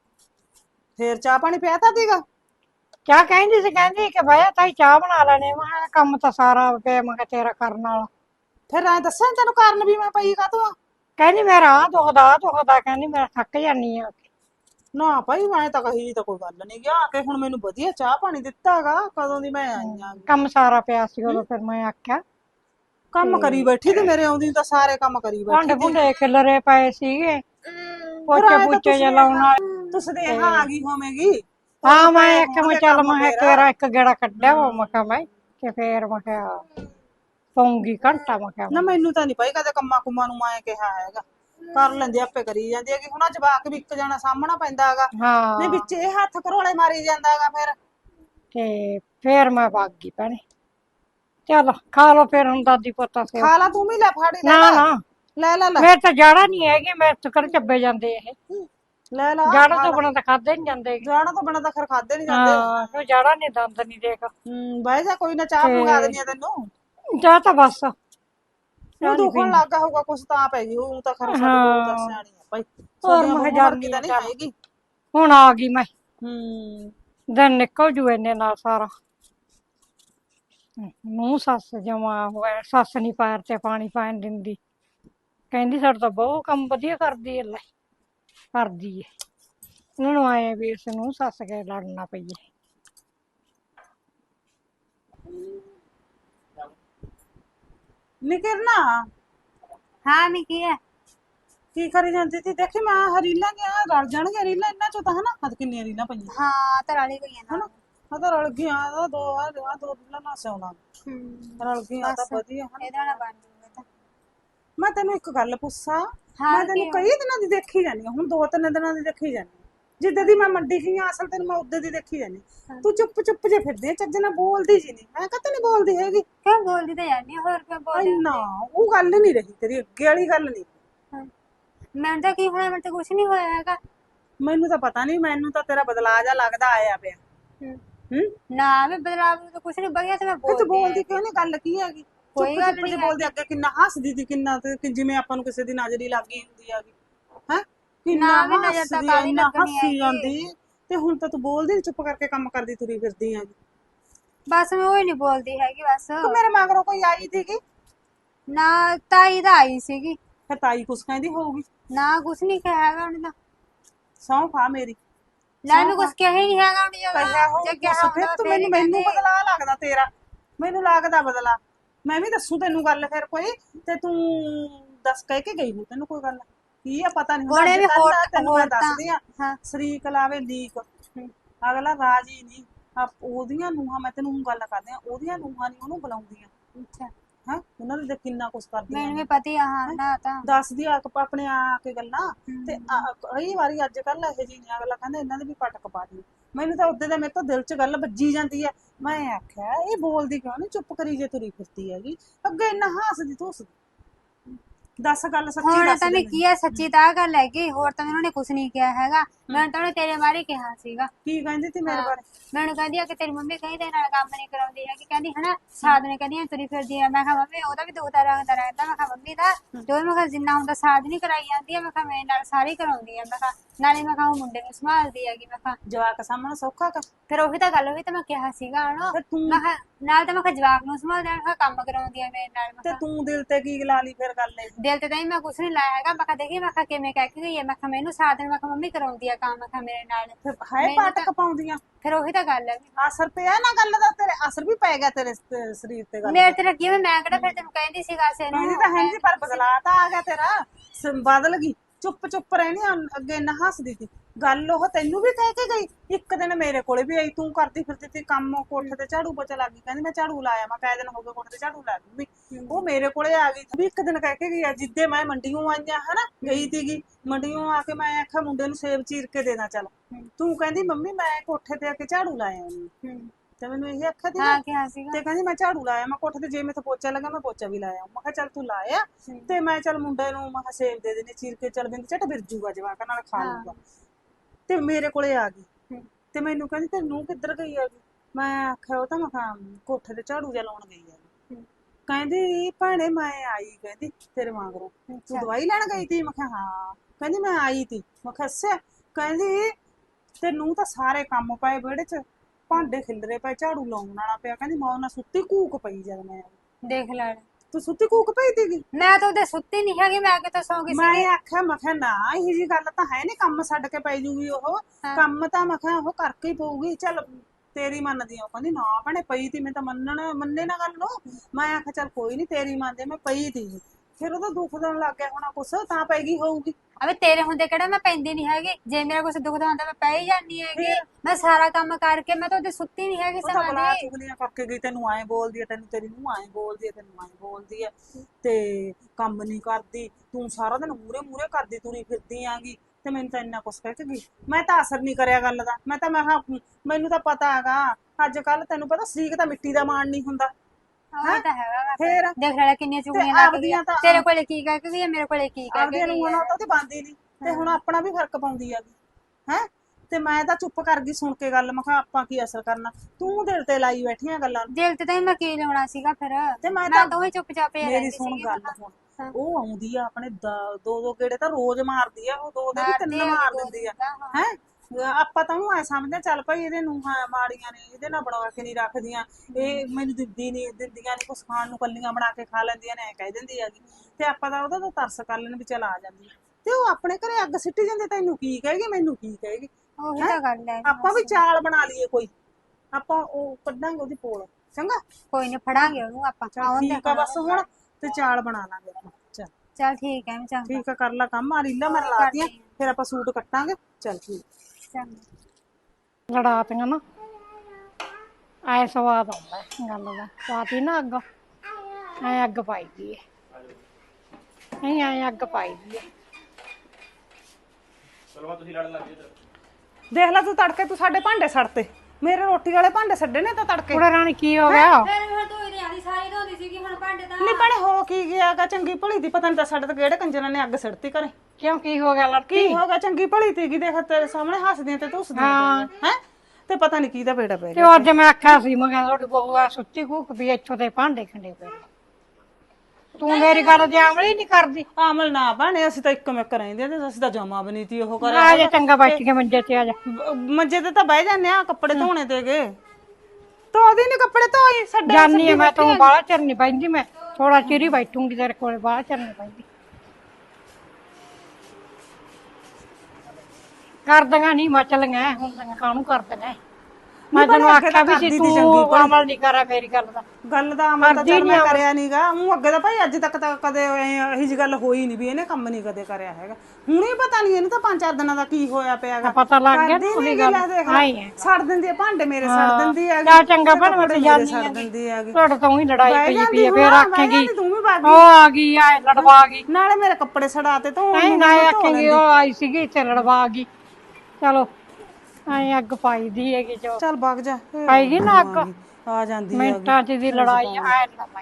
ਫੇਰ ਚਾਹ ਪਾਣੀ ਪਿਆ ਤਾ ਸੀਗਾ। ਚਾਹ ਕਹਿੰਦੀ ਸੀ ਕਹਿੰਦੀ ਕਿ ਭਾਇਆ ਤਾਈ ਚਾਹ ਬਣਾ ਲੈਣੇ ਮੈਂ ਕਿਹਾ ਕੰਮ ਤਾਂ ਸਾਰਾ ਪਿਆ ਮੈਂ ਕਿਹਾ ਤੇਰਾ ਕਰਨ ਵਾਲਾ ਫਿਰ ਐ ਦੱਸਾਂ ਤੈਨੂੰ ਕਾਰਨ ਵੀ ਮੈਂ ਪਈ ਕਾਹਤੋਂ ਆ। ਕਹਿੰਦੀ ਮੇਰਾ ਆਹ ਦੁਖਦਾ ਆਹ ਦੁਖਦਾ ਕਹਿੰਦੀ ਮੈਂ ਥੱਕ ਜਾਨੀ ਆ ਨਾ ਭਾਈ ਮੈਂ ਤਾਂ ਕਹੀ ਤਾਂ ਕੋਈ ਗੱਲ ਨਹੀਂ ਗਿਆ ਆ ਕੇ ਹੁਣ ਮੈਨੂੰ ਵਧੀਆ ਚਾਹ ਪਾਣੀ ਦਿੱਤਾਗਾ ਕਦੋਂ ਦੀ ਮੈਂ ਆਈ ਆ। ਕੰਮ ਸਾਰਾ ਪਿਆ ਸੀ ਉਦੋਂ ਫਿਰ ਮੈਂ ਆਖਿਆ ਕੰਮ ਕਰੀ ਬੈਠੀ ਤੇ ਮੇਰੇ ਆਉਂਦੀ ਤਾਂ ਸਾਰੇ ਕੰਮ ਕਰੀ ਬੈਠੀ ਭਾਂਡੇ ਭੁੰਡੇ ਖਿਲਰੇ ਪਏ ਸੀਗੇ ਫਿਰ ਪੋਚੇ ਐ ਤਾਂ ਪੂਚੇ ਜੇ ਤੁਸੀਂ ਲਾਉਣ ਵਾਲੇ ਤੂੰ ਸਦੇਹਾ ਆ ਗਈ ਹੋਵੇਂਗੀ। ਹਾਂ ਮੈਂ ਇੱਕ ਮੈਂ ਚੱਲ ਮੈਂ ਤੇਰਾ ਇੱਕ ਗੇੜਾ ਕੱਢਿਆ ਵਾ ਮੈਂ ਕਿਹਾ ਮੈਂ ਤੇ ਫੇਰ ਮੈਂ ਕਿਹਾ ਪਊਂਗੀ ਘੰਟਾ ਮੈਂ ਕਿਹਾ ਨਾ ਮੈਨੂੰ ਤਾਂ ਨਹੀਂ ਪਈ ਕਦੇ ਕੰਮਾਂ ਕੁੰਮਾਂ ਨੂੰ ਮੈਂ ਕਿਹਾ ਹੈਗਾ ਕਰ ਲੈਂਦੀ ਆਪੇ ਕਰੀ ਜਾਂਦੀ ਹੈ ਕਿ ਹੁਣ ਜਵਾਕ ਵੀ ਇੱਕ ਜਾਣਾ ਸਾਹਮਣਾ ਪੈਂਦਾ ਹੈਗਾ ਨਹੀਂ ਹਾਂ ਵਿੱਚ ਇਹ ਹੱਥ ਘਰੋਲੇ ਮਾਰੀ ਜਾਂਦਾ ਹੈਗਾ ਫਿਰ ਤੇ ਫੇਰ ਮੈਂ ਭੱਗ ਗਈ ਭੈਣੇ ਚੱਲ ਖਾ ਲੋ ਫੇਰ ਹੁਣ ਦਾਦੀ ਪੋਤਾ ਸੇ ਖਾ ਲਾ ਤੂੰ ਵੀ ਲੈ ਫਾੜੀ ਲੈ ਨਾ ਲੈ ਨਾ ਲੈ ਲੈ ਲੈ ਮੇਰੇ ਤਾਂ ਜਾੜਾ ਨਹੀਂ ਹੈਗੀ ਮੇਰੇ ਤੋਂ ਕਰ ਚੱਬੇ ਜਾਂਦੇ ਇਹ ਲੈ ਲਾ ਜਾੜਾ ਤੋਂ ਬਣਾ ਤਾਂ ਖਾਦੇ ਨਹੀਂ ਜਾਂਦੇ ਜਾਣਾ ਤਾਂ ਬਣਾ ਤਾਂ ਖਰ ਖਾਦੇ ਨਹੀਂ ਜਾਂਦੇ। ਹਾਂ ਕਿਉਂ ਜਾੜਾ ਨਹੀਂ ਦੰਦ ਨਹੀਂ ਦੇਖ ਹੂੰ ਬਹਿ ਜਾ ਕੋਈ ਨਾ ਚਾਹ ਮੰਗਾ ਦਿੰਦੀ ਆ ਤੈਨੂੰ। ਜਾ ਤਾਂ ਬਸ ਉਹ ਦੁਖਣ ਲੱਗਾ ਹੋਊਗਾ ਕੁਛ ਤਾਂ ਪੈ ਗਈ ਉਹ ਤਾਂ ਖਰ ਸਾਡੇ ਕੋਲ ਤਾਂ ਸਿਆਣੀ ਆ ਭਾਈ ਹੋਰ ਤੁਹਾਡੀਆਂ ਮੈਂ ਬਹੂਆਂ ਜਾਂਦੀ ਵਰਗੀ ਤਾਂ ਨਹੀਂ ਚੱਲ। ਹੈਗੀ। ਹੁਣ ਆ ਗਈ ਮੈਂ ਹੂੰ ਦਿਨ ਨਿਕਲ ਜੂ ਇੰਨੇ ਨਾਲ ਸਾਰਾ ਨੂੰ ਸੱਸ ਜਮਾ ਹੋਇਆ ਸੱਸ ਨੀ ਪੈਰ ਤੇ ਪਾਣੀ ਪਾਣ ਦਿੰਦੀ ਕਹਿੰਦੀ ਸਾਡਾ ਤਾਂ ਬਹੁਤ ਕੰਮ ਵਧੀਆ ਕਰਦੀ ਐ ਲੈ ਕਰਦੀ ਐ ਉਹਨਾਂ ਨੂੰ ਆਏ ਵੀ ਇਸ ਨੂੰ ਸੱਸ ਕੇ ਲੜਨਾ ਪਈਏ ਨੀ ਕਿਰਨਾ ਹਾਂ ਮੈਂ ਕੀ ਹੈ ਕੀ ਕਰੀ ਜਾਂਦੀ ਸੀ ਦੇਖੀ ਮੈਂ ਰੀਲਾਂ ਗਿਆ ਰਲ ਜਾਣਗੇ ਰੀਲਾਂ ਇਹਨਾਂ ਚੋਂ ਤਾਂ ਹਨਾ ਹੱਦ ਕਿੰਨੀਆਂ ਰੀਲਾਂ ਪਈਆਂ ਹਾਂ ਤਾਂ ਰਾਲੀ ਗਈ ਨਾ ਹਨਾ ਮੈਂ ਤਾਂ ਰਲ ਗਈਆਂ ਆ ਦੋ ਆ ਦੋ ਆ ਦੋ ਰੀਲਾਂ ਨਾ ਸਿਉਣਾ ਹੂੰ ਰਲ ਗਈਆਂ ਤਾਂ ਵਧੀਆ ਹਨਾ ਇਹਦਾ ਨਾ ਬਣ ਜੂਗਾ ਤਾਂ ਮੈਂ ਤੈਨੂੰ ਇੱਕ ਗੱਲ ਪੁੱਛਾਂ ਹਾਂ ਮੈਂ ਤੈਨੂੰ ਕਈ ਦਿਨਾਂ ਦੀ ਦੇਖੀ ਜਾਂਦੀ ਹਾਂ ਹੁਣ ਦੋ ਤਿੰਨ ਦਿਨਾਂ ਦੀ ਦੇਖੀ ਜਾਂਦੀ ਜਿੱਦਾਂ ਦੀ ਮੈਂ ਮੰਡੀ ਗਈ ਆ ਅਸਲ ਤੈਨੂੰ ਮੈਂ ਉਦੋਂ ਦੀ ਦੇਖੀ ਜਾਂਦੀ ਤੂੰ ਚੁੱਪ ਚੁੱਪ ਜੇ ਫਿਰਦੀ ਆ ਚੱਜ ਨਾਲ ਬੋਲਦੀ ਜੀ ਨਹੀਂ ਮੈਂ ਕਦੇ ਨਹੀਂ ਬੋਲਦੀ ਹੈਗੀ ਕਿਉਂ ਬੋਲਦੀ ਤਾਂ ਯਾਰ ਨਹੀਂ ਹੋਰ ਕਿਉਂ ਬੋਲਦੀ ਨਾ ਉਹ ਗੱਲ ਨਹੀਂ ਰਹੀ ਤੇਰੀ ਅੱਗੇ ਵਾਲੀ ਗੱਲ ਨਹੀਂ ਮੈਨੂੰ ਤਾਂ ਕੀ ਹੋਇਆ ਮੈਨੂੰ ਤਾਂ ਕੁਝ ਨਹੀਂ ਹੋਇਆ ਹੈਗਾ ਮੈਨੂੰ ਤਾਂ ਪਤਾ ਨਹੀਂ ਮੈਨੂੰ ਤਾਂ ਤੇਰਾ ਬਦਲਾਅ ਜਾ ਲੱਗਦਾ ਆਇਆ ਪਿਆ ਹੂੰ ਨਾ ਮੈਂ ਬਦਲਾਵ ਨੂੰ ਤਾਂ ਕੁਝ ਨਹੀਂ ਬਗਿਆ ਤੇ ਮੈਂ ਤੂੰ ਬੋਲਦੀ ਬੋਲਦੀ ਕਿਉਂ ਨਹੀਂ ਗੱਲ ਕੀ ਹੈਗੀ ਕੋਈ ਚੁੱਪ ਗੱਲ ਚੁੱਪ ਨਹੀਂ ਜੇ ਬੋਲਦੀ ਅੱਗੇ ਕਿੰਨਾ ਹੱਸਦੀ ਸੀ ਕਿੰਨਾ ਤੇ ਕਿ ਜਿਵੇਂ ਆਪਾਂ ਨੂੰ ਕਿਸੇ ਦੀ ਨਜ਼ਰੀ ਲੱਗ ਗਈ ਹੁੰਦੀ ਹੈਗੀ ਹੈ ਕਿੰਨਾ ਨਾ ਵੀ ਨਜ਼ਰ ਤਾਂ ਹੱਸਦੀ ਕਾਹਦੀ ਇੰਨਾ ਲੱਗਣੀ ਹੱਸੀ ਜਾਂਦੀ ਤੇ ਹੁਣ ਤਾਂ ਤੂੰ ਬੋਲਦੀ ਨੀ ਚੁੱਪ ਕਰਕੇ ਕੰਮ ਕਰਦੀ ਤੁਰੀ ਫਿਰਦੀ ਹੈਗੀ ਬਸ ਮੈਂ ਉਹ ਹੀ ਨਹੀਂ ਬੋਲਦੀ ਹੈਗੀ ਬਸ ਤੂੰ ਮੇਰੇ ਮਗਰੋਂ ਕੋਈ ਆਈ ਸੀਗੀ ਨਾ ਤਾਈ ਦਾ ਆਈ ਸੀਗੀ। ਫਿਰ ਤਾਈ ਕੁਛ ਕਹਿੰਦੀ ਹੋਊਗੀ। ਨਾ ਕੁਛ ਨਹੀਂ ਕਿਹਾ ਹੈਗਾ ਉਹਨੇ ਤਾਂ। ਸਹੁੰ ਖਾ ਮੇਰੀ ਲੈ ਮੈਂ ਕੁਛ ਕਿਹਾ ਹੀ ਨਹੀਂ ਹੈਗਾ ਉਹਨੇ ਕਹਿਆ ਜਦੋਂ ਹੋ ਜੇ ਕਿਹਾ ਕੁਛ, ਫਿਰ ਹੁੰਦਾ ਤੂੰ ਫੇਰ ਮੈਨੂੰ ਹੀ ਮੈਨੂੰ ਕਹਿੰਦੇ। ਬਦਲਾ ਲੱਗਦਾ ਤੇਰਾ, ਮੈਨੂੰ ਲੱਗਦਾ ਬਦਲਾ। ਮੈਂ ਵੀ ਦੱਸੂ ਤੈਨੂੰ ਗੱਲ ਫਿਰ ਕੋਈ, ਤੇ ਤੂੰ ਦੱਸ ਕਹਿ ਕੇ ਗਈ ਹੋ ਤੈਨੂੰ ਕੋਈ ਗੱਲ ਕੀ ਆ ਪਤਾ ਨਹੀਂ ਹੁੰਦਾ। ਉਹਨੇ ਅੱਜ ਵੀ ਕੱਲ ਹੋਰ ਤੈਨੂੰ ਮੈਂ ਹੋਰ ਤਾਂ ਦੱਸਦੀ ਆ, ਹਾਂ ਸ਼ਰੀਕ ਲਾਵੇ ਲੀਕ, ਅਗਲਾ ਰਾਜੀ ਨਹੀਂ। ਆ ਉਹਦੀਆਂ ਨੂੰਹਾਂ, ਮੈਂ ਤੈਨੂੰ ਗੱਲ ਕਰਦੇ ਆ, ਉਹਦੀਆਂ ਨੂੰਹਾਂ ਨਹੀਂ ਉਹਨੂੰ ਬੁਲਾਉਂਦੀਆਂ ਅੱਛਾ ਹੈ, ਉਹਨਾਂ ਦੇ ਕਿੰਨਾ ਕੁਛ ਕਰਦੀਆਂ ਮੈਨੂੰ ਨੇ। ਵੀ ਪਤਾ ਹੀ ਆ ਹਾਂ ਨਾ ਤਾਂ। ਦੱਸਦੀ ਆ ਕ- ਆਪਣੇ ਆ ਕੇ ਗੱਲਾਂ, ਤੇ ਹਮ, ਆ- ਕਈ ਵਾਰੀ ਅੱਜ ਕੱਲ ਇਹੋ ਜਿਹੀ ਨੇ, ਅਗਲਾ ਕਹਿੰਦਾ ਇਹਨਾਂ ਦੇ ਵੀ ਪਟਕ ਪਾ ਦੀ। ਮੈਨੂੰ ਤਾਂ ਉਦੋਂ ਦਾ ਮੇਰੇ ਤੋਂ ਦਿਲ 'ਚ ਗੱਲ ਵੱਜੀ ਜਾਂਦੀ ਹੈ। ਮੈਂ ਆਖਿਆ ਇਹ ਬੋਲਦੀ ਕਿਉਂ ਨਹੀਂ, ਚੁੱਪ ਕਰੀ ਜੇ ਤੁਰੀ ਫਿਰਦੀ ਹੈਗੀ, ਅੱਗੇ ਇੰਨਾ ਹੱਸਦੀ ਧੁੱਸਦੀ। ਦੱਸ ਗੱਲ ਸੱਚੀ ਹੁਣ ਦੱਸ ਤਾਂ ਦੇ ਵੀ ਮੈਨੂੰ। ਕੀ ਹੈ, ਸੱਚੀ ਤਾਂ ਆਹ ਗੱਲ ਹੈਗੀ, ਹੋਰ ਤਾਂ ਉਹਨਾਂ ਨੇ ਕੁਛ ਨਹੀਂ ਕਿਹਾ ਹੈਗਾ। ਮੈਂ ਤਾਂ ਉਹਨੇ ਤੇਰੇ ਬਾਰੇ ਕਿਹਾ ਸੀਗਾ। ਕੀ ਕਹਿੰਦੀ ਤੀ ਮੇਰੇ ਹਾਂ, ਬਾਰੇ? ਮੈਨੂੰ ਕਹਿੰਦੀ ਆ ਕਿ ਤੇਰੀ ਮੰਮੀ ਕਹੀ ਤੇਰੇ ਨਾਲ ਕੰਮ ਨਹੀਂ ਕਰਾਉਂਦੀ ਹੈਗੀ, ਕਹਿੰਦੀ ਹਨਾ ਸਾਧ ਨੇ ਕਹਿੰਦੀ ਤੁਰੀ ਫਿਰਦੀ ਆ। ਮੈਂ ਕਿਹਾ ਮੰਮੀ ਉਹਦਾ ਵੀ ਦੁਖਦਾ ਰਹਿੰਦਾ ਰਹਿੰਦਾ। ਮੈਂ ਕਿਹਾ ਮੰਮੀ ਦਾ ਜੋ ਮੈਂ ਕਿਹਾ ਜਿੰਨਾ ਹੁੰਦਾ ਸਾਧ ਨਹੀਂ ਕਰਾਈ ਜਾਂਦੀ ਆ। ਮੈਂ ਕਿਹਾ ਮੇਰੇ ਨਾਲ ਸਾਰੀ ਕਰਾਉਂਦੀ ਆ। ਮੈਂ ਕਿਹਾ ਨਾਲੇ ਮੈਂ ਕਿਹਾ ਉਹ ਮੁੰਡੇ ਨੂੰ ਸੰਭਾਲਦੀ ਹੈਗੀ। ਮੈਂ ਕਿਹਾ ਜਵਾਕ ਸਾਹਮਣੇ ਸੌਖਾ ਕਰ। ਫਿਰ ਉਹੀ ਤਾਂ ਗੱਲ ਹੋਈ ਤਾਂ ਮੈਂ ਕਿਹਾ ਸੀਗਾ ਉਹਨੂੰ। ਤੇ ਤੂੰ ਮੈਂ ਕਿਹਾ ਨਾਲ ਤਾਂ ਮੈਂ ਕਿਹਾ ਜਵਾਕ ਨੂੰ ਸੰਭਾਲਦੀ ਆ, ਮੈਂ ਕਿਹਾ ਕੰਮ ਕਰਾਉਂਦੀ ਆ ਮੇਰੇ ਨਾਲ। ਮੈਂ ਤੇ ਕਿਹਾ ਤੂੰ ਦਿਲ ਤੇ ਕੀ ਲਾ ਲਈ ਫਿਰ ਗੱਲ ਇਹ? ਦਿਲ ਤੇ ਤਾਂ ਹੀ ਮੈਂ ਕੁਛ ਨਹੀਂ ਲਾਇਆ ਹੈਗਾ। ਮੈਂ ਕਿਹਾ ਦੇਖੀ ਮੈਂ ਕਿਹਾ ਕਿਵੇਂ ਕਹਿ ਕੇ ਗਈ ਹੈ। ਮੈਂ ਕਿਹਾ ਮੈਨੂੰ ਸਾਥ ਨੇ, ਮੈਂ ਕਿਹਾ ਮੰਮੀ ਕਰਾਉਂਦੀ ਆ ਕੰਮ। ਮੈਂ ਕਿਹਾ ਮੇਰੇ ਨਾਲ ਫਿਰ ਹੈ ਪਟਕ ਪਾਉਂਦੀਆਂ। ਫਿਰ ਉਹੀ ਤਾਂ ਗੱਲ ਹੈ। ਅਸਰ ਪਿਆ ਨਾ ਗੱਲ ਦਾ, ਤੇਰੇ ਅਸਰ ਵੀ ਪੈ ਗਿਆ ਤੇਰੇ ਸ- ਸਰੀਰ ਤੇ ਗੱਲ ਮੇਰੇ ਦਾ। ਤੇ ਲੱਗੀ ਹੋਈ, ਮੈਂ ਕਿਹੜਾ ਫਿਰ ਤੈਨੂੰ ਕਹਿੰਦੀ ਸੀ ਕਾਸੇ ਨੂੰ। ਕਹਿੰਦੀ ਤਾਂ ਹੈ ਜੀ, ਪਰ ਬਦਲਾ ਤਾਂ ਆ ਗਿਆ ਤੇਰਾ, ਸ- ਬਦਲ ਗਈ। ਚੁੱਪ ਚੁੱਪ ਰਹਿਣੀ ਆ, ਅੱਗੇ ਨਾ ਹੱਸਦੀ ਸੀ। ਗੱਲ ਉਹ ਤੈਨੂੰ ਵੀ ਕਹਿ ਕੇ ਗਈ। ਇੱਕ ਦਿਨ ਮੇਰੇ ਕੋਲੇ ਵੀ ਆਈ, ਤੂੰ ਕਰਦੀ ਫਿਰਦੀ ਸੀ ਕੰਮ, ਕੋਠੇ ਤੇ ਝਾੜੂ ਪੋਚਾ ਲੱਗ ਗਈ। ਕਹਿੰਦੀ ਮੈਂ ਝਾੜੂ ਲਾਇਆ, ਮੈਂ ਕਾਇ ਦਿਨ ਹੋ ਗਏ ਕੋਠੇ ਤੇ ਝਾੜੂ ਲਾ ਦੂੰਗੀ। ਉਹ ਮੇਰੇ ਕੋਲੇ ਆ ਗਈ ਵੀ ਇੱਕ ਦਿਨ ਕਹਿ ਕੇ ਗਈ ਆ, ਜਿੱਦੇ ਮੈਂ ਮੰਡੀਓਂ ਆਈਆਂ ਹਨਾ, ਗਈ ਸੀਗੀ ਮੰਡੀਓਂ ਆ ਕੇ, ਮੈਂ ਆਖਿਆ ਮੁੰਡੇ ਨੂੰ ਸੇਬ ਚੀਰ ਕੇ ਦੇਣਾ ਚੱਲ। ਤੂੰ ਕਹਿੰਦੀ ਮੰਮੀ ਮੈਂ ਕੋਠੇ ਤੇ ਆ ਕੇ ਝਾੜੂ ਲਾਇਆ ਉਹਨੂੰ, ਤੇ ਮੈਨੂੰ ਇਹ ਆਖਿਆ ਸੀ ਨਾ। ਹਾਂ ਕਿਹਾ ਸੀਗਾ। ਤੇ ਕਹਿੰਦੀ ਮੈਂ ਝਾੜੂ ਲਾਇਆ, ਮੈਂ ਕੋਠੇ ਤੇ ਜੇ ਮੈਥੋਂ ਪੋਚਾ ਲੱਗਾ ਮੈਂ ਪੋਚਾ ਵੀ ਲਾਇਆ। ਮੈਂ ਕਿਹਾ ਚੱਲ ਤੂੰ ਲਾਇਆ, ਤੇ ਮੈਂ ਚੱਲ ਮੁੰਡੇ ਨੂੰ ਮੈਂ ਕਿਹਾ ਸੇਬ ਦੇ ਦੇਣੇ ਚੀਰ ਕੇ, ਚੱਲ ਬਿੰਦ ਝਟ ਬਿਰ ਜੂਗਾ ਜਵਾਕ ਨਾਲ ਖਾ ਲੂਗਾ। ਤੇ ਮੇਰੇ ਕੋਲੇ ਆ ਗਈ, ਤੇ ਮੈਨੂੰ ਕਹਿੰਦੀ ਤੇ ਨੂੰ ਕਿੱਧਰ ਗਈ ਹੈਗੀ? ਮੈਂ ਆਖਿਆ ਉਹ ਤਾਂ ਮੈਂ ਕਿਹਾ ਕੋਠੇ ਤੇ ਝਾੜੂ ਜਿਹਾ ਲਾਉਣ ਗਈ ਹੈਗੀ। ਕਹਿੰਦੀ ਭੈਣੇ ਮੈਂ ਆਈ, ਕਹਿੰਦੀ ਤੇਰੇ ਵਾਂਗਰੋਂ ਤੂੰ ਦਵਾਈ ਲੈਣ ਗਈ ਤੀ? ਮੈਂ ਕਿਹਾ ਹਾਂ। ਕਹਿੰਦੀ ਮੈਂ ਆਈ ਤੀ। ਮੈਂ ਕਿਹਾ ਅੱਛਾ। ਕਹਿੰਦੀ ਤੇ ਨੂੰ ਤਾਂ ਸਾਰੇ ਕੰਮ ਪਏ ਵਿਹੜੇ 'ਚ, ਭਾਂਡੇ ਖਿਲਰੇ ਪਏ, ਝਾੜੂ ਲਾਉਣ ਵਾਲਾ ਪਿਆ। ਕਹਿੰਦੀ ਮੈਂ ਉਹਨਾਂ ਸੁੱਤੀ ਘੂਕ ਪਈ ਜਦ ਮੈਂ ਆਈ। ਦੇਖ ਲੈ, ਤੂੰ ਸੁੱਤੀ ਘੂਕ ਪਈ ਤੀਗੀ? ਮੈਂ ਤਾਂ ਉਹਦੇ ਸੁੱਤੀ ਨਹੀਂ ਹੈਗੀ, ਮੈਂ ਕਿਤੇ ਸੌਂ ਗਈ ਮੈਂ ਸੀਗੀ। ਆਖਿਆ ਮੈਂ ਕਿਹਾ ਨਾ ਇਹੀ ਜੀ ਗੱਲ ਤਾਂ ਹੈ ਨੀ, ਕੰਮ ਛੱਡ ਕੇ ਪੈ ਜੂਗੀ ਉਹ। ਕੰਮ ਤਾਂ ਮੈਂ ਕਿਹਾ ਉਹ ਕਰਕੇ ਹੀ ਪਊਗੀ। ਚੱਲ ਤੇਰੀ ਮੰਨਦੀ ਆ। ਉਹ ਕਹਿੰਦੀ ਨਾ ਭੈਣੇ ਪਈ ਤੀ, ਮੈਂ ਤਾਂ ਮੰਨਣ ਮੰਨੇ ਨਾ ਗੱਲ ਨੂੰ। ਮੈਂ ਆਖਿਆ ਚੱਲ ਕੋਈ ਨੀ ਤੇਰੀ ਮੰਨਦੇ, ਮੈਂ ਪਈ ਤੀ। ਫਿਰ ਉਹਦਾ ਦੁੱਖ ਦੇਣ ਲੱਗ ਗਿਆ ਹੋਣਾ ਕੁਛ, ਤਾਂ ਪੈ ਗਈ ਹੋਊਗੀ। ਅਬੇ ਤੇਰੇ ਹੁੰਦੇ ਕਿਹੜਾ ਮੈਂ ਪੈਂਦੀ ਨਹੀਂ ਹੈਗੀ। ਜੇ ਮੇਰਾ ਕੁਛ ਦੁਖਦਾ ਹੁੰਦਾ ਮੈਂ ਪੈ ਹੀ ਜਾਂਦੀ ਹੈਗੀ। ਮੈਂ ਸਾਰਾ ਕੰਮ ਕਰਕੇ ਮੈਂ ਤਾਂ ਉਹਦੇ ਸੁੱਤੀ ਨਹੀਂ ਹੈਗੀ ਉਹ ਤਾਂ ਸਮਾਂ ਬਲਾ ਦੀ। ਚੁਗਲੀਆਂ ਕਰਕੇ ਗਈ, ਤੈਨੂੰ ਐਂ ਬੋਲਦੀ ਆ, ਤੈਨੂੰ ਤੇਰੀ ਨੂੰ ਐਂ ਬੋਲਦੀ ਆ, ਤੈਨੂੰ ਐਂ ਬੋਲਦੀ ਆ, ਤੇ ਕੰਮ ਨਹੀਂ ਕਰਦੀ ਤੂੰ, ਸਾਰਾ ਦਿਨ ਮੂਰੇ ਮੂਰੇ ਕਰਦੀ ਤੁਰੀ ਫਿਰਦੀ ਆਂਗੀ। ਤੇ ਮੈਨੂੰ ਤਾਂ ਇੰਨਾ ਕੁਛ ਕਹਿ ਕੇ ਗਈ। ਮੈਂ ਤਾਂ ਅਸਰ ਨਹੀਂ ਕਰਿਆ ਗੱਲ ਦਾ। ਮੈਂ ਤਾਂ ਮੈਂ ਕਿਹਾ ਮੈਨੂੰ ਤਾਂ ਪਤਾ ਹੈਗਾ ਅੱਜ ਕੱਲ, ਤੈਨੂੰ ਪਤਾ ਸਰੀਕ ਤਾਂ ਮਿੱਟੀ ਦਾ ਮਾਣ ਨਹੀਂ ਹੁੰਦਾ। ਉਹ ਤਾਂ ਹੈਗਾ। ਫੇਰ ਦੇਖ ਲੈ ਕਿੰਨੀਆਂ ਚੁਗਲੀਆਂ ਤੇ ਲੱਗ ਆਪਦੀਆਂ ਗਈਆਂ। ਤਾਂ ਤੇਰੇ ਕੋਲੇ ਕੀ ਕਹਿ ਕੇ ਗਈ ਹੈ, ਮੇਰੇ ਕੋਲੇ ਕੀ ਕਹਿ ਕੇ ਆਪਦੀਆਂ ਗਈ ਨੂੰ ਹੈ। ਹੁਣ ਉਹਦੀ ਬਣਦੀ ਨਹੀਂ, ਤੇ ਹੁਣ ਆਪਣਾ ਵੀ ਫਰਕ ਪਾਉਂਦੀ ਹੈਗੀ ਹੈ। ਤੇ ਮੈਂ ਤਾਂ ਚੁੱਪ ਕਰ ਗਈ ਸੁਣ ਕੇ ਗੱਲ। ਮੈਂ ਕਿਹਾ ਆਪਾਂ ਕੀ ਅਸਰ ਕਰਨਾ, ਤੂੰ ਦਿਲ ਤੇ ਲਾਈ ਬੈਠੀਆਂ ਗੱਲਾਂ ਨੂੰ। ਦਿਲ ਤੇ ਤਾਂ ਹੀ ਮੈਂ ਕੀ ਲਾਉਣਾ ਸੀਗਾ ਫਿਰ। ਤੇ ਮੈਂ ਮੈਂ ਤਾਂ ਤਾਂ ਉਹੀ ਚੁੱਪ ਚਾਪ ਹੀ ਮੇਰੀ ਰਹਿੰਦੀ ਸੁਣ ਸੀਗੀ। ਗੱਲ ਹੁਣ, ਉਹ ਆਉਂਦੀ ਆ ਆਪਣੇ ਦ- ਦੋ ਦੋ ਗੇੜੇ ਤਾਂ ਰੋਜ਼ ਮਾਰਦੀ ਆ ਉਹ, ਦੋ ਦੇ ਵੀ ਮਾਰਦੀ ਤਿੰਨ ਆ, ਮਾਰ ਦੋ ਦਿੰਦੀ ਆ ਦਿੰਦਾ, ਹੈ। ਆਪਾਂ ਤਾਂ ਉਹਨੂੰ ਐ ਸਮਝਦੇ ਆ, ਚੱਲ ਭਾਈ ਇਹਦੇ ਨੂੰਹਾਂ ਮਾੜੀਆਂ ਨੇ, ਇਹਦੇ ਨਾਲ ਬਣਾ ਕੇ ਨਹੀਂ ਰੱਖਦੀਆਂ, ਇਹ ਮੈਨੂੰ ਦਿੰਦੀ ਨਹੀਂ ਦਿੰਦੀਆਂ ਨਹੀਂ ਕੁਛ ਖਾਣ ਨੂੰ, ਕੱਲੀਆਂ ਬਣਾ ਕੇ ਖਾ ਲੈਂਦੀਆਂ ਨੇ, ਐ ਕਹਿ ਦਿੰਦੀ ਹੈਗੀ। ਤੇ ਆਪਾਂ ਤਾਂ ਉਹਦਾ ਤਾਂ ਤਰਸ ਕਰ ਲੈਣ ਵੀ ਚੱਲ ਆ ਜਾਂਦੀ। ਤੇ ਉਹ ਆਪਣੇ ਘਰੇ ਅੱਗ ਸਿੱਟੀ ਜਾਂਦੀ, ਤੈਨੂੰ ਕੀ ਕਹੇਗੀ ਮੈਨੂੰ ਕੀ ਕਹੇਗੀ। ਉਹੀ ਤਾਂ ਗੱਲ ਹੈ। ਆਪਾਂ ਵੀ ਚਾਲ ਬਣਾ ਲਈਏ ਕੋਈ, ਆਪਾਂ ਉਹ ਕੱਢਾਂਗੇ ਉਹਦੀ ਪੋਲ, ਚੰਗਾ ਕੋਈ ਨਾ ਫੜਾਂਗੇ ਉਹਨੂੰ ਆਪਾਂ। ਚੱਲ ਆਉਣ ਦੇ ਠੀਕ ਆ ਬਸ ਹੁਣ, ਤੇ ਚਾਲ ਬਣਾ ਲਾਂਗੇ ਆਪਾਂ। ਚੱਲ ਚੱਲ ਠੀਕ ਹੈ, ਚੰਗਾ ਠੀਕ ਆ, ਕਰ ਲਾ ਕੰਮ। ਆ ਰੀਲਾ ਮੈਂ ਲਾਤੀਆਂ, ਫਿਰ ਆਪਾਂ ਸੂਟ ਕੱਟਾਂਗੇ। ਚੱਲ ਠੀਕ। ਚੰਗਾ। ਲੜਾ ਪਈਆਂ ਨਾ, ਐ ਸਵਾਦ ਆਉਂਦਾ ਗੱਲ ਦਾ। ਪਾਤੀ ਨਾ ਅੱਗ, ਐ ਅੱਗ ਪਾਈ ਦੀ ਹੈ, ਨਹੀਂ ਐ ਅੱਗ ਪਾਈ ਦੀ ਹੈ। ਦੇਖ ਲੈ ਤੂੰ ਤੜਕੇ ਤੂੰ ਸਾਡੇ ਭਾਂਡੇ ਸੜਤੇ, ਮੇਰੇ ਰੋਟੀ ਵਾਲੇ ਭਾਂਡੇ ਛੱਡੇ ਨੇ ਤਾਂ ਤੜਕੇ। ਕੁੜੇ ਰਾਣੀ ਕੀ ਹੋ ਗਿਆ? ਫਿਰ ਹੁਣ ਧੋਈ ਤੇ ਆਦੀ ਸਾਰੀ ਧੋਦੀ ਸੀਗੀ, ਹੁਣ ਭਾਂਡੇ ਤਾਂ ਨਹੀਂ ਭੈਣੇ ਹੋ ਕੀ ਗਿਆਗਾ, ਚੰਗੀ ਭਲੀ ਦੀ ਪਤਾ ਨਹੀਂ ਤਾਂ ਸਾਡੇ ਤੇ ਕਿਹੜੇ ਕੰਜਰਾਂ ਨੇ ਅੱਗ ਸਿੜਤੀ ਘਰੇ। ਕਿਉਂ ਕੀ ਹੋ ਗਿਆ ਲੜਕੀ? ਕੀ ਹੋ ਗਿਆ, ਚੰਗੀ ਭਲੀ ਤੀਗੀ, ਦੇਖ ਤੇਰੇ ਸਾਹਮਣੇ ਹੱਸਦੀਆਂ ਤੇ ਧੁੱਸਦੀਆਂ ਹੈ, ਤੇ ਪਤਾ ਨਹੀਂ ਕਿਹਦਾ ਬੇੜਾ ਪੈ ਤੇ ਗਿਆ। ਅੱਜ ਮੈਂ ਆਖਿਆ ਸੀ, ਮੈਂ ਕਿਹਾ ਤੁਹਾਡੀ ਬਹੂ ਆ ਸੁੱਤੀ ਘੂਕ ਵੀ ਇੱਥੋਂ ਦੇ ਭਾਂਡੇ ਖੰਡੇ ਪਏ। ਤੂੰ ਮੇਰੀ ਗੱਲ ਤੇ ਅਮਲ ਹੀ ਨਹੀਂ ਕਰਦੀ। ਅਮਲ ਨਾ ਭੈਣੇ, ਅਸੀਂ ਤਾਂ ਇੱਕ ਮਿੱਕ ਰਹਿੰਦੇ ਤੇ ਅਸੀਂ ਤਾਂ ਜਮਾ ਵੀ ਨਹੀਂ ਤੀ ਉਹ ਕਰਿਆ। ਆ ਜਾ ਚੰਗਾ ਬੈਠ ਕੇ ਮੰਜੇ ਤੇ ਆ ਜਾ। ਬ- ਮੰਜੇ ਤੇ ਤਾਂ ਬਹਿ ਜਾਂਦੇ ਆ, ਕੱਪੜੇ ਧੋਣੇ ਤੇ ਗਏ ਧੋਦੀ ਨੀ ਕੱਪੜੇ ਧੋਈ ਛੱਡੇ। ਜਾਨੀ ਆ ਮੈਂ, ਤੂੰ ਬਾਹਲਾ ਚਿਰ ਨਹੀਂ ਬੈਂਦੀ। ਮੈਂ ਥੋੜਾ ਚਿਰ ਹੀ ਬੈਠੂੰਗੀ ਤੇਰੇ ਕੋਲੇ, ਬਾਹਰ ਚੱਲਣੀ ਪੈਂਦੀ। ਕਰਦੀਆਂ ਨਹੀਂ ਮਚਲੀਆਂ ਹੁਣ, ਕਾਹਨੂੰ ਕਰਦੀਆਂ। ਮੈਂ ਤੈਨੂੰ ਆਖਿਆ ਵੀ ਸੀ ਤੂੰ ਅਮਲ ਨਹੀਂ ਕਰਿਆ ਮੇਰੀ ਗੱਲ ਦਾ। ਗੱਲ ਦਾ ਅਮਲ ਤਾਂ ਚੱਲ ਮੈਂ ਕਰਿਆ ਨਹੀਂਗਾ, ਉਹ ਅੱਗੇ ਤਾਂ ਭਾਈ ਅੱਜ ਤੱਕ ਤਾਂ ਕਦੇ ਇਹੀ ਜੀ ਗੱਲ ਹੋਈ ਨਹੀਂ ਵੀ ਇਹਨੇ ਕੰਮ ਨਹੀਂ ਕਦੇ ਕਰਿਆ ਹੈਗਾ। ਹੁਣੇ ਪਤਾ ਨਹੀਂ ਇਹਨੂੰ ਤਾਂ ਪੰਜ ਚਾਰ ਦਿਨਾਂ ਦਾ ਕੀ ਹੋਇਆ ਪਿਆਗਾ, ਪਤਾ ਲੱਗ ਗਿਆ ਨਾ ਉਹਦੀ ਗੱਲ। ਛੱਡ ਦਿੰਦੀ ਆ ਭਾਂਡੇ ਮੇਰੇ, ਛੱਡ ਦਿੰਦੀ ਹੈਗੀ। ਚੱਲ ਚੰਗਾ ਭੈਣ, ਮੈਂ ਤੇ ਜਾਂਦੀ ਛੱਡ ਦਿੰਦੀ ਹੈਗੀ। ਤੁਹਾਡੇ ਤੋਂ ਹੀ ਲੜਾਈ ਪਈ ਪਈ ਆ, ਫੇਰ ਆਖੇਗੀ ਤੂੰ ਵੀ ਬਾਗੀ ਉਹ ਆ ਗਈ ਆ ਲੜਵਾ ਗਈ, ਨਾਲੇ ਮੇਰੇ ਕੱਪੜੇ ਛੜਾਤੇ ਤੂੰ। ਨਹੀਂ ਨਾ ਆਖੇਗੀ ਉਹ ਆਈ ਸੀਗੀ ਇੱਥੇ ਲੜਵਾ ਗਈ। ਚਲੋ ਐ ਅੱਗ ਪਾਈ ਦੀ ਹੈਗੀ ਜੋ ਚੱਲ ਵਗ ਜਾ, ਪਾਈਗੀ ਨਾ ਅੱਗ, ਆ ਜਾਂਦੀ ਹੈ ਮਿੰਟਾਂ ਚ ਦੀ ਲੜਾਈ ਐ ਨਾ ਪਾਈ।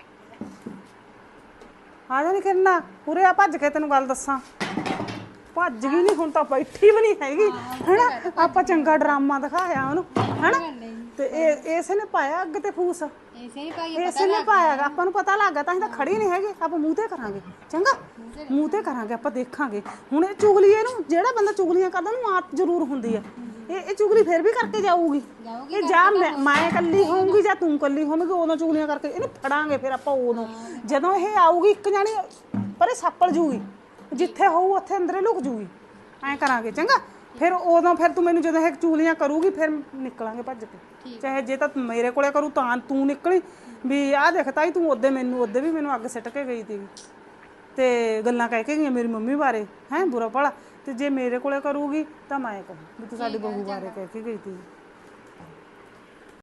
ਆ ਜਾ ਨੀ ਕਿਰਨਾ ਉਰੇ ਆ, ਭੱਜ ਕੇ ਤੈਨੂੰ ਗੱਲ ਦੱਸਾਂ। ਭੱਜ ਗਈ ਨਹੀਂ, ਹੁਣ ਤਾਂ ਬੈਠੀ ਵੀ ਨਹੀਂ ਹੈਗੀ ਹੈਨਾ। ਆਪਾਂ ਚੰਗਾ ਡਰਾਮਾ ਦਿਖਾਇਆ ਉਹਨੂੰ ਹੈਨਾ, ਤੇ ਇਹ ਇਸੇ ਨੇ ਪਾਇਆ ਅੱਗ ਤੇ ਫੂਸ, ਇਸੇ ਹੀ ਭਾਈ ਇਸੇ ਨੇ ਪਾਇਆ। ਆਪਾਂ ਨੂੰ ਪਤਾ ਲੱਗ ਗਿਆ ਤਾਂ ਅਸੀਂ ਤਾਂ ਖੜੀ ਨਹੀਂ ਹੈਗੇ, ਆਪਾਂ ਮੂੰਹ ਤੇ ਕਰਾਂਗੇ ਚੰਗਾ, ਮੂੰਹ ਤੇ ਕਰਾਂਗੇ, ਆਪਾਂ ਦੇਖਾਂਗੇ। ਹੁਣ ਇਹ ਚੁਗਲੀ, ਇਹਨੂੰ ਜਿਹੜਾ ਬੰਦਾ ਚੁਗਲੀਆਂ ਕਰਦਾ ਉਹਨੂੰ ਆਦਤ ਜ਼ਰੂਰ ਹੁੰਦੀ ਹੈ। ਇਹ ਇਹ ਚੁਗਲੀ ਫਿਰ ਵੀ ਕਰਕੇ ਜਾਊਗੀ। ਇਹ ਜਾਂ ਮੈਂ ਮੈਂ ਇਕੱਲੀ ਹੋਊਂਗੀ ਜਾਂ ਤੂੰ ਇਕੱਲੀ ਹੋਵੇਂਗੀ, ਉਦੋਂ ਚੁਗਲੀਆਂ ਕਰਕੇ ਇਹਨੂੰ ਫੜਾਂਗੇ। ਫਿਰ ਆਪਾਂ ਉਦੋਂ ਜਦੋਂ ਇਹ ਆਊਗੀ ਇੱਕ ਜਾਣੀ ਪਰ ਇਹ ਸਾਪੜ ਜੂਗੀ, ਜਿੱਥੇ ਹੋਊ ਉੱਥੇ ਅੰਦਰੇ ਲੁਕ ਜੂਗੀ। ਐਂ ਕਰਾਂਗੇ ਚੰਗਾ। ਫਿਰ ਉਦੋਂ ਫਿਰ ਤੂੰ ਮੈਨੂੰ ਜਦੋਂ ਇਹ ਚੁਗਲੀਆਂ ਕਰੂਗੀ ਫਿਰ ਨਿਕਲਾਂਗੇ ਭੱਜ ਕੇ। ਚਾਹੇ ਜੇ ਤਾਂ ਮੇਰੇ ਕੋਲੇ ਕਰੂ ਤਾਂ ਤੂੰ ਨਿਕਲੀ ਵੀ ਆਹ ਦੇਖ ਤਾਈ ਤੂੰ ਉਹਦੇ ਮੈਨੂੰ ਉਹਦੇ ਵੀ ਮੈਨੂੰ ਅੱਗ ਸਿੱਟ ਕੇ ਗਈ ਸੀਗੀ ਤੇ ਗੱਲਾਂ ਕਹਿ ਕੇ ਗਈਆਂ ਮੇਰੀ ਮੰਮੀ ਬਾਰੇ, ਹੈਂ ਬੁਰਾ ਭਲਾ। ਤੇ ਜੇ ਮੇਰੇ ਕੋਲੇ ਕਰੂਗੀ ਤਾਂ ਮੈਂ ਕਹੂੰ ਵੀ ਤੂੰ ਸਾਡੀ ਬਹੂ ਬਾਰੇ ਕਹਿ ਕੇ ਗਈ ਸੀ।